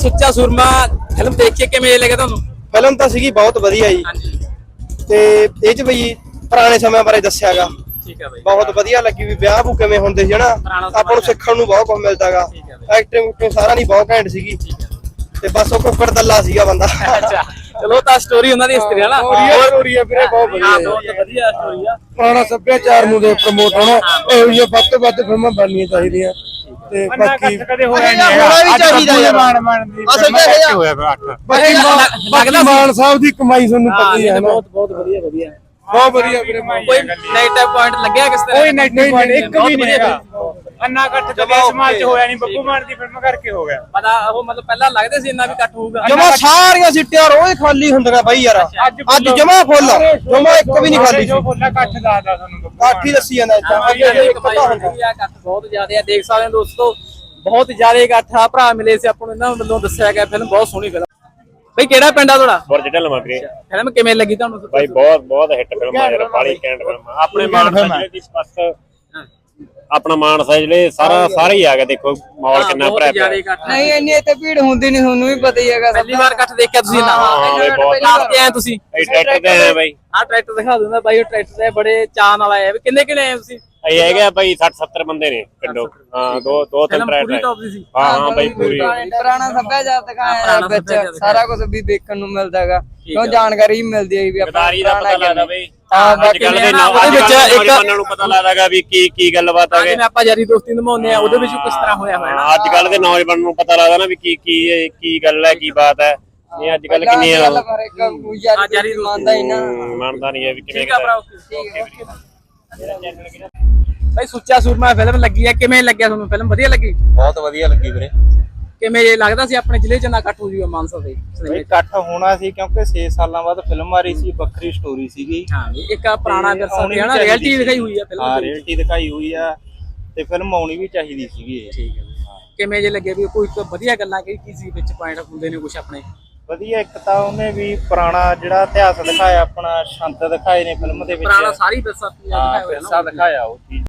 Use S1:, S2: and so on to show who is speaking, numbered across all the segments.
S1: ਸੁੱਚਾ ਸੂਰਮਾ ਫਿਲਮ ਦੇਖ ਕੇ ਕਿਵੇਂ ਲੱਗਾ ਤੁਹਾਨੂੰ?
S2: ਫਿਲਮ ਤਾਂ ਸੀਗੀ ਬਹੁਤ ਵਧੀਆ ਜੀ।
S1: ਹਾਂਜੀ
S2: ਤੇ ਇਹ ਚ ਬਈ ਪੁਰਾਣੇ ਸਮਿਆਂ ਬਾਰੇ ਦੱਸਿਆਗਾ।
S1: ਠੀਕ ਹੈ ਬਾਈ।
S2: ਬਹੁਤ ਵਧੀਆ ਲੱਗੀ ਵੀ ਵਿਆਹ ਬੂ ਕਿਵੇਂ ਹੁੰਦੇ ਸੀ ਹਨਾ। ਆਪਾਂ ਨੂੰ ਸਿੱਖਣ ਨੂੰ ਬਹੁਤ ਕੁਝ ਮਿਲਦਾਗਾ। ਐਕਟਿੰਗ ਸਾਰਾ ਨਹੀਂ ਬਹੁਤ ਘੈਂਟ ਸੀਗੀ। ਤੇ ਬਸ ਉਹ ਕੁੱਕੜ ਦੱਲਾ ਸੀਗਾ ਬੰਦਾ।
S1: ਅੱਛਾ ਚਲੋ ਤਾਂ ਸਟੋਰੀ ਉਹਨਾਂ ਦੀ ਇਸ ਤਰ੍ਹਾਂ ਨਾ
S2: ਸਟੋਰੀ ਆ ਵੀਰੇ, ਬਹੁਤ ਵਧੀਆ।
S1: ਬਹੁਤ ਵਧੀਆ ਸਟੋਰੀ ਆ।
S2: ਪੁਰਾਣਾ ਸੱਭਿਆਚਾਰ ਨੂੰ ਦੇ ਪ੍ਰਮੋਟ ਹੋਣਾ, ਇਹੋ ਜਿਹੀਆਂ ਵੱਧ ਤੋਂ ਵੱਧ ਫਿਲਮਾਂ ਬਣਨੀਆਂ ਚਾਹੀਦੀਆਂ। ਤੇ ਬਾਕੀ
S3: ਕਦੇ ਹੋਇਆ ਨਹੀਂ
S2: ਹੋਣਾ ਵੀ ਚਾਹੀਦਾ ਯਾਰ। ਅਸਲ ਚ
S3: ਹੋਇਆ ਫਿਰ 8
S2: ਬਾਕੀ ਮਾਨ ਸਾਹਿਬ ਦੀ ਕਮਾਈ ਤੁਹਾਨੂੰ ਪਤਾ ਹੀ ਹੈ ਨਾ।
S1: ਬਹੁਤ ਵਧੀਆ
S2: ਬਹੁਤ ਵਧੀਆ ਵੀਰੇ।
S1: ਕੋਈ ਨੈਗੇਟਿਵ ਪੁਆਇੰਟ ਲੱਗਿਆ ਕਿਸ ਤਰ੍ਹਾਂ?
S3: ਕੋਈ ਨੈਗੇਟਿਵ ਪੁਆਇੰਟ ਇੱਕ ਵੀ ਨਹੀਂ ਹੈਗਾ। ਅੰਨਾ ਇਕੱਠ ਕਦੇ ਸਮਾਜ ਚ ਹੋਇਆ ਨਹੀਂ, ਬੱਬੂ ਮਾਨ ਦੀ ਫਿਲਮ ਕਰਕੇ ਹੋ ਗਿਆ।
S1: ਪਤਾ ਉਹ ਮਤਲਬ ਪਹਿਲਾਂ ਲੱਗਦੇ ਸੀ ਇੰਨਾ ਵੀ ਇਕੱਠ ਹੋਊਗਾ।
S2: ਜਮਾ ਸਾਰੀਆਂ ਸੀਟਾਂ ਰੋਜ਼ ਖਾਲੀ ਹੁੰਦੀਆਂ ਬਾਈ ਯਾਰ। ਅੱਜ ਜਮਾ ਫੁੱਲ, ਜਮਾ ਇੱਕ ਵੀ ਨਹੀਂ ਖਾਲੀ
S3: ਜੋ ਫੁੱਲਾ ਇਕੱਠ ਦੱਸਦਾ ਤੁਹਾਨੂੰ
S2: ਕਾਠੀ ਦੱਸੀ ਜਾਂਦਾ
S1: ਇਕੱਠ ਬਹੁਤ ਜ਼ਿਆਦਾ ਆ। ਦੇਖ ਸਕਦੇ ਹੋ ਦੋਸਤੋ, ਬਹੁਤ ਜ਼ਿਆਦਾ ਇਕੱਠ ਆ। ਭਰਾ ਮਿਲੇ ਸੀ ਆਪਾਂ ਨੂੰ, ਇਹਨਾਂ ਵੱਲੋਂ ਦੱਸਿਆ ਗਿਆ ਫਿਲਮ ਬਹੁਤ ਸੋਹਣੀ ਫਿਲਮ। ਬਈ ਕਿਹੜਾ ਪਿੰਡ ਆ ਤੁਹਾਡਾ?
S4: ਬੁਰਜ ਢਲਵਾਂ ਵੀਰੇ।
S1: ਫਿਲਮ ਕਿਵੇਂ ਲੱਗੀ ਤੁਹਾਨੂੰ?
S4: ਬਾਈ ਬਹੁਤ ਹਿੱਟ ਫਿਲਮ ਆ ਯਾਰ, ਬਾਲੀ ਕੈਂਟ ਫਿਲਮ ਆ। ਆਪਣੇ ਮਾਨਸਾ ਦੀ ਬਸ ਆਪਣਾ ਮਾਨਸਾ ਜਿਹੜੇ ਸਾਰੇ ਹੀ ਆ ਗਏ। ਦੇਖੋ ਮਾਹੌਲ ਕਿੰਨਾ ਭਰਿਆ ਪਿਆ।
S5: ਨਹੀਂ ਇੰਨੀ ਇੱਥੇ ਭੀੜ ਹੁੰਦੀ ਨਹੀਂ, ਤੁਹਾਨੂੰ ਵੀ ਪਤਾ ਹੀ ਹੈਗਾ।
S1: ਪਹਿਲੀ ਵਾਰ ਇਕੱਠ ਦੇਖਿਆ ਤੁਸੀਂ ਨਾ?
S4: ਹਾਂ ਬਈ ਬਹੁਤ
S1: ਤੇ ਆਏ ਤੁਸੀਂ
S4: ਟਰੈਕਟਰ ਤੇ ਆਏ ਬਾਈ।
S1: ਆਹ ਟਰੈਕਟਰ ਦਿਖਾ ਦਿੰਦਾ ਬਾਈ। ਉਹ ਟਰੈਕਟਰ ਤੇ ਬੜੇ ਚਾਅ ਨਾਲ ਆਏ। ਕਿੰਨੇ ਆਏ ਤੁਸੀਂ?
S4: ਇਹ ਹੈਗਾ ਬਾਈ 60-70 ਬੰਦੇ ਨੇ ਪਿੰਡੋਂ। ਹਾਂ ਦੋ ਤਿੰਨ
S1: ਪੂਰੀ
S4: ਟਰੈਕਟਰ।
S1: ਟੌਪ ਦੀ ਸੀ।
S4: ਹਾਂ ਬਾਈ ਪੂਰੀ
S5: ਪੁਰਾਣਾ ਸੱਭਿਆਚਾਰ ਦਿਖਾਇਆ ਵਿੱਚ, ਸਾਰਾ ਕੁਝ ਵੀ ਦੇਖਣ ਨੂੰ ਮਿਲਦਾ ਹੈਗਾ। ਕਿਉਂ ਜਾਣਕਾਰੀ ਵੀ ਮਿਲਦੀ ਹੈ ਵੀ ਆਪਾਂ
S4: ਗਦਾਰੀ ਦਾ ਪਤਾ ਲੱਗਦਾ ਬਈ।
S5: ਹਾਂ
S4: ਅੱਜ ਕੱਲ ਦੇ ਨੌਜਵਾਨਾਂ ਨੂੰ ਪਤਾ ਲੱਗਦਾ ਗਾ ਵੀ ਕੀ ਗੱਲਬਾਤ ਆ।
S1: ਜਿਵੇਂ ਆਪਾਂ ਯਾਰੀ ਦੋਸਤੀ ਨਿਭਾਉਂਦੇ ਆ, ਉਹਦੇ ਵਿੱਚ ਕਿਸ ਤਰ੍ਹਾਂ ਹੋਇਆ ਹੋਇਆ।
S4: ਅੱਜ ਕੱਲ ਦੇ ਨੌਜਵਾਨਾਂ ਨੂੰ ਪਤਾ ਲੱਗਦਾ ਨਾ ਵੀ ਕੀ ਗੱਲ ਹੈ, ਕੀ ਬਾਤ ਹੈ। ਇਹ ਅੱਜ ਕੱਲ ਕਿੰਨੀ
S5: ਯਾਰੀ ਮੰਨਦਾ ਹੀ ਨਾ,
S4: ਮੰਨਦਾ ਨਹੀਂ ਹੈ ਵੀ ਕਿਵੇਂ।
S1: ਭਾਈ ਸੁੱਚਾ ਸੂਰਮਾ ਫਿਲਮ ਲੱਗੀ ਹੈ, ਕਿਵੇਂ ਲੱਗਿਆ ਤੁਹਾਨੂੰ? ਫਿਲਮ ਵਧੀਆ ਲੱਗੀ?
S6: ਬਹੁਤ ਵਧੀਆ ਲੱਗੀ ਵੀਰੇ।
S1: ਕਿਵੇਂ ਲੱਗਦਾ ਸੀ ਆਪਣੇ ਜ਼ਿਲ੍ਹੇ ਚ ਨਾ ਇਕੱਠ ਹੋ ਜੂਗਾ ਮਾਨਸਾ ਦੇ?
S6: ਇਕੱਠ ਹੋਣਾ ਸੀ ਕਿਉਂਕਿ 6 ਸਾਲਾਂ ਬਾਅਦ ਫਿਲਮ ਆ ਰਹੀ ਸੀ, ਵੱਖਰੀ ਸਟੋਰੀ ਸੀਗੀ।
S1: ਹਾਂ ਇੱਕ ਪੁਰਾਣਾ ਵਿਰਸਾ ਹੈ ਨਾ, ਰਿਐਲਿਟੀ ਦਿਖਾਈ ਹੋਈ ਆ ਫਿਲਮ।
S6: ਹਾਂ ਰਿਐਲਿਟੀ ਦਿਖਾਈ ਹੋਈ ਆ ਤੇ ਫਿਲਮ ਆਉਣੀ ਵੀ ਚਾਹੀਦੀ ਸੀਗੀ ਇਹ।
S1: ਠੀਕ ਹੈ। ਕਿਵੇਂ ਜੇ ਲੱਗੇ ਵੀ ਕੋਈ ਵਧੀਆ ਗੱਲਾਂ ਕੀ ਸੀ ਵਿੱਚ ਪੁਆਇੰਟ ਹੁੰਦੇ ਨੇ ਕੁਝ ਆਪਣੇ?
S6: ਵਧੀਆ। ਇੱਕ ਤਾਂ ਉਹਨੇ ਵੀ ਪੁਰਾਣਾ ਜਿਹੜਾ ਇਤਿਹਾਸ ਦਿਖਾਇਆ, ਆਪਣਾ ਸੰਤ ਦਿਖਾਏ ਨੇ ਫਿਲਮ ਦੇ ਵਿੱਚ।
S1: ਪੁਰਾਣਾ ਸਾਰੀ ਵਿਰਸਾ
S6: ਦਿਖਾਇਆ ਉਹ ਚੀਜ਼।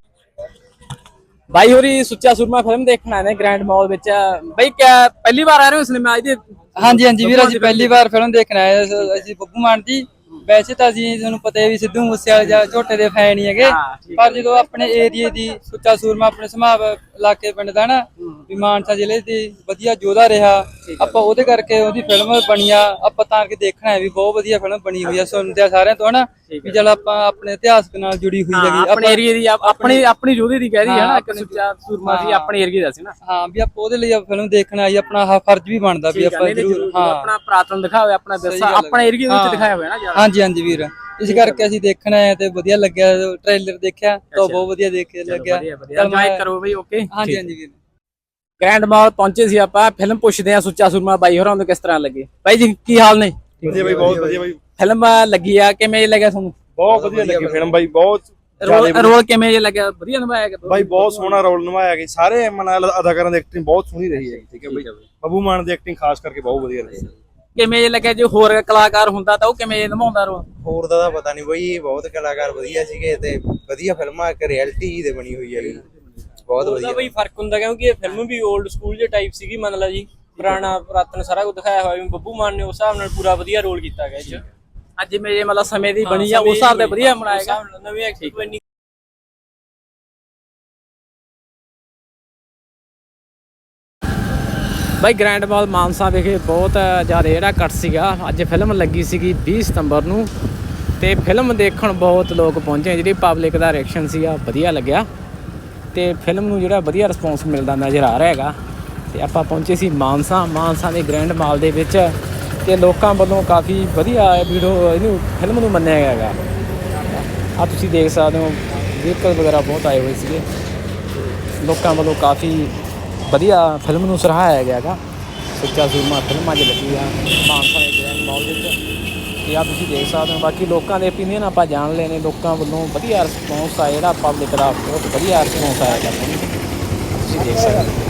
S1: ਬਾਈ ਹੋਰੀ ਸੁੱਚਾ ਸੂਰਮਾ ਫਿਲਮ ਦੇਖਣ ਆਏ ਨੇ ਗ੍ਰੈਂਡ ਮਾਲ ਵਿੱਚ। ਬਾਈ ਕਿਆ ਪਹਿਲੀ ਵਾਰ ਆ ਰਹੇ ਹੋ ਸਿਨੇਮਾ ਇਹਦੇ?
S5: ਹਾਂਜੀ ਵੀਰ, ਅਸੀਂ ਪਹਿਲੀ ਵਾਰ ਫਿਲਮ ਦੇਖਣ ਆਏ। ਅਸੀਂ ਬੱਬੂ ਮਾਨ ਦੀ, ਵੈਸੇ ਤਾਂ ਅਸੀਂ ਤੁਹਾਨੂੰ ਪਤਾ ਹੈ ਵੀ ਸਿੱਧੂ ਮੂਸੇਵਾਲੇ ਜਾਂ ਝੋਟੇ ਦੇ ਫੈਨ ਹੀ ਹੈਗੇ, ਪਰ ਜਦੋਂ ਆਪਣੇ ਏਰੀਏ ਦੀ ਸੁੱਚਾ ਸੂਰਮਾ ਆਪਣੇ ਸਮਾਬ ਇਲਾਕੇ ਪਿੰਡ ਦਾ ਨਾ ਵੀ ਮਾਨਸਾ ਜ਼ਿਲ੍ਹੇ ਦੀ ਵਧੀਆ ਯੋਧਾ ਰਿਹਾ, ਆਪਾਂ ਉਹਦੇ ਕਰਕੇ ਉਹਦੀ ਫਿਲਮ ਬਣੀ ਆ। ਆਪਾਂ ਤਾਂ ਕਿ ਦੇਖਣਾ ਹੈ ਵੀ ਬਹੁਤ ਵਧੀਆ ਫਿਲਮ ਬਣੀ ਹੋਈ ਆ। ਸੁਣਦੇ ਆ ਸਾਰਿਆਂ ਤੋਂ ਹਨਾ ਵੀ ਚਲ ਆਪਾਂ ਆਪਣੇ ਇਤਿਹਾਸ ਨਾਲ ਜੁੜੀ ਹੋਈ ਹੈਗੀ।
S1: ਆਪਣੇ ਏਰੀਏ ਦੀ ਆਪਣੀ ਯੋਧੇ ਦੀ ਕਹਿ ਰਹੀ ਹੈ ਨਾ, ਇੱਕ ਸੁੱਚਾ ਸੂਰਮਾ ਸੀ ਆਪਣੇ ਏਰੀਏ ਦਾ ਸੀ ਨਾ।
S5: ਹਾਂ ਵੀ ਆਪਾਂ ਉਹਦੇ ਲਈ ਫਿਲਮ ਦੇਖਣ ਆਈ, ਆਪਣਾ ਫਰਜ਼ ਵੀ ਬਣਦਾ ਵੀ ਆਪਾਂ ਜ਼ਰੂਰ
S1: ਆਪਣਾ ਪੁਰਾਤਨ ਦਿਖਾਇਆ, ਆਪਣਾ ਵਿਰਸਾ ਆਪਣੇ ਏਰੀਏ ਵਿੱਚ ਦਿਖਾਇਆ ਹੋਇਆ ਨਾ।
S5: ਹਾਂਜੀ ਵੀਰ, ਇਸ ਕਰਕੇ ਅਸੀਂ ਦੇਖਣਾ ਹੈ ਤੇ ਵਧੀਆ ਲੱਗਿਆ। ਟ੍ਰੇਲਰ ਦੇਖਿਆ ਤਾਂ ਬਹੁਤ ਵਧੀਆ ਲੱਗਿਆ।
S1: ਇੰਜੋਏ ਕਰੋ ਬਈ। ਓਕੇ
S5: ਹਾਂਜੀ ਵੀਰ।
S1: ਗ੍ਰੈਂਡ ਮਾਲ ਪਹੁੰਚੇ ਸੀ ਆਪਾਂ, ਫਿਲਮ ਪੁੱਛਦੇ ਆ ਸੁੱਚਾ ਸੂਰਮਾ ਬਾਈ ਹੋਰਾਂ ਨੂੰ ਕਿਸ ਤਰ੍ਹਾਂ ਲੱਗੇ। ਬਾਈ ਜੀ ਕੀ ਹਾਲ ਨੇ?
S2: ਵਧੀਆ ਬਾਈ, ਬਹੁਤ ਵਧੀਆ ਬਾਈ।
S1: ਫਿਲਮ ਲੱਗੀ ਆ, ਕਿਵੇਂ ਲੱਗਿਆ ਤੁਹਾਨੂੰ?
S2: ਬਹੁਤ ਵਧੀਆ ਲੱਗੀ ਫਿਲਮ ਬਾਈ। ਬਹੁਤ
S1: ਰੋਲ ਕਿਵੇਂ ਜੇ ਲੱਗਿਆ? ਵਧੀਆ ਨਿਭਾਇਆ ਗਿਆ
S2: ਬਾਈ, ਬਹੁਤ ਸੋਹਣਾ ਰੋਲ ਨਿਭਾਇਆ ਗਿਆ। ਸਾਰੇ ਅਦਾਕਾਰਾਂ ਦੀ ਐਕਟਿੰਗ ਬਹੁਤ ਸੋਹਣੀ ਰਹੀ ਹੈ। ਠੀਕ ਹੈ ਬਾਈ। ਬੱਬੂ ਮਾਨ ਦੀ ਐਕਟਿੰਗ ਖਾਸ ਕਰਕੇ ਬਹੁਤ ਵਧੀਆ ਰਹੀ।
S1: ਕਿਵੇਂ ਜੇ ਲੱਗਿਆ? ਜੇ ਹੋਰ ਕਲਾਕਾਰ ਹੁੰਦਾ ਤਾਂ ਉਹ ਕਿਵੇਂ ਨਿਭਾਉਂਦਾ ਰੋਲ?
S7: ਹੋਰ ਦਾ ਪਤਾ ਨਹੀਂ ਬਈ, ਬਹੁਤ ਕਲਾਕਾਰ ਵਧੀਆ ਸੀਗੇ ਤੇ ਵਧੀਆ ਫਿਲਮਾਂ ਇੱਕ ਰਿਐਲਿਟੀ ਦੇ ਬਣੀ ਹੋਈ ਹੈਗੀ। ਬਹੁਤ ਵਧੀਆ
S8: ਬਈ ਫਰਕ ਹੁੰਦਾ ਕਿਉਂਕਿ ਇਹ ਫਿਲਮ ਵੀ 올ਡ ਸਕੂਲ ਦੇ ਟਾਈਪ ਸੀਗੀ, ਮੰਨ ਲਾ ਜੀ ਪੁਰਾਣਾ ਪੁਰਾਤਨ ਸਾਰਾ ਕੁਝ ਦਿਖਾਇਆ ਹੋਇਆ। ਬੱਬੂ ਮਾਨ ਨੇ ਉਸ ਹਿਸਾਬ ਨਾਲ ਪੂਰਾ ਵਧੀਆ ਰੋਲ ਕੀਤਾ ਗਿਆ ਇਹ 'ਚ।
S1: ਅੱਜ ਜਿਵੇਂ ਮਤਲਬ ਸਮੇਂ ਦੀ ਬਣੀ ਆ ਉਸ ਹਿਸਾਬ ਤੇ ਵਧੀਆ ਬਣਾਏਗਾ।
S8: ਨਵੀਂ ਐਕਟਿੰਗ
S1: ਬਾਈ ਗ੍ਰੈਂਡ ਮਾਲ ਮਾਨਸਾ ਵਿਖੇ ਬਹੁਤ ਜ਼ਿਆਦਾ ਜਿਹੜਾ ਕੱਟ ਸੀਗਾ। ਅੱਜ ਫਿਲਮ ਲੱਗੀ ਸੀਗੀ 20 ਸਤੰਬਰ ਨੂੰ ਤੇ ਫਿਲਮ ਦੇਖਣ ਬਹੁਤ ਲੋਕ ਪਹੁੰਚੇ। ਜਿਹੜੀ ਪਬਲਿਕ ਦਾ ਰਿਐਕਸ਼ਨ ਸੀਗਾ ਵਧੀਆ ਲੱਗਿਆ ਤੇ ਫਿਲਮ ਨੂੰ ਜਿਹੜਾ ਵਧੀਆ ਰਿਸਪੌਂਸ ਮਿਲਦਾ ਨਜ਼ਰ ਆ ਰਿਹਾ ਹੈਗਾ। ਤੇ ਆਪਾਂ ਪਹੁੰਚੇ ਸੀ ਮਾਨਸਾ ਦੇ ਗ੍ਰੈਂਡ ਮਾਲ ਦੇ ਵਿੱਚ ਤੇ ਲੋਕਾਂ ਵੱਲੋਂ ਕਾਫੀ ਵਧੀਆ ਇਹਨੂੰ ਫਿਲਮ ਨੂੰ ਮੰਨਿਆ ਗਿਆ ਹੈਗਾ। ਆ ਤੁਸੀਂ ਦੇਖ ਸਕਦੇ ਹੋ ਵਹੀਕਲ ਵਗੈਰਾ ਬਹੁਤ ਆਏ ਹੋਏ ਸੀਗੇ। ਲੋਕਾਂ ਵੱਲੋਂ ਕਾਫੀ ਵਧੀਆ ਫਿਲਮ ਨੂੰ ਸਰਾਹਾਇਆ ਗਿਆ ਹੈਗਾ। ਸੁੱਚਾ ਸੂਰਮਾ ਫਿਲਮ ਅੱਜ ਲੱਗੀ ਆ ਮਾਨਸਾ ਦੇ ਗ੍ਰੈਂਡ ਮਾਲ ਵਿੱਚ ਤੇ ਆ ਤੁਸੀਂ ਦੇਖ ਸਕਦੇ ਹੋ। ਬਾਕੀ ਲੋਕਾਂ ਦੇ ਓਪੀਨੀਅਨ ਆਪਾਂ ਜਾਣ ਲਏ ਨੇ। ਲੋਕਾਂ ਵੱਲੋਂ ਵਧੀਆ ਰਿਸਪੌਂਸ ਆ, ਜਿਹੜਾ ਪਬਲਿਕ ਦਾ ਬਹੁਤ ਵਧੀਆ ਰਿਸਪੌਂਸ ਆਇਆ ਹੈਗਾ। ਤੁਸੀਂ ਦੇਖ ਸਕਦੇ ਹੋ।